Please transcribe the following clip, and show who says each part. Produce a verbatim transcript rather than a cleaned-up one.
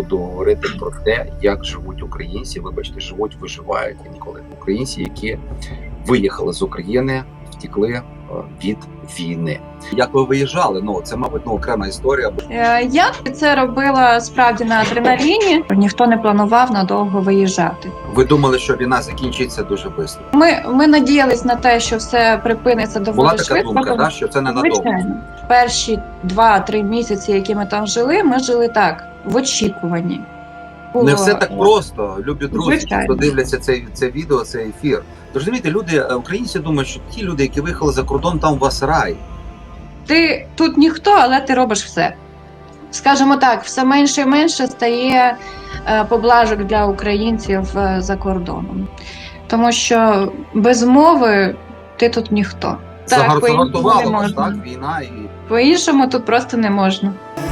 Speaker 1: буду говорити про те, як живуть українці, вибачте, живуть, виживають інколи українці, які виїхали з України, втекли від війни. Як ви виїжджали? Ну це, мабуть, ну, окрема історія.
Speaker 2: Я це робила справді на адреналіні. Ніхто не планував надовго виїжджати.
Speaker 1: Ви думали, що війна закінчиться дуже швидко?
Speaker 2: Ми, ми надіялись на те, що все припиниться доволі
Speaker 1: Була така
Speaker 2: швидко.
Speaker 1: думка, да, що це не надовго?
Speaker 2: Звичайно. Перші два-три місяці, які ми там жили, ми жили так, в очікуванні. Було...
Speaker 1: Не все так просто, любі друзі,
Speaker 2: Звичайно.
Speaker 1: хто дивляться це, це відео, цей ефір. Тож, розумієте, люди, українці думають, що ті люди, які виїхали за кордон, там у вас рай.
Speaker 2: Ти тут ніхто, але ти робиш все. Скажімо так, все менше і менше стає е, поблажок для українців е, за кордоном. Тому що без мови ти тут ніхто. Так, по-іншому не
Speaker 1: Загартувало вас,
Speaker 2: можна.
Speaker 1: так, війна і...
Speaker 2: По-іншому тут просто не можна.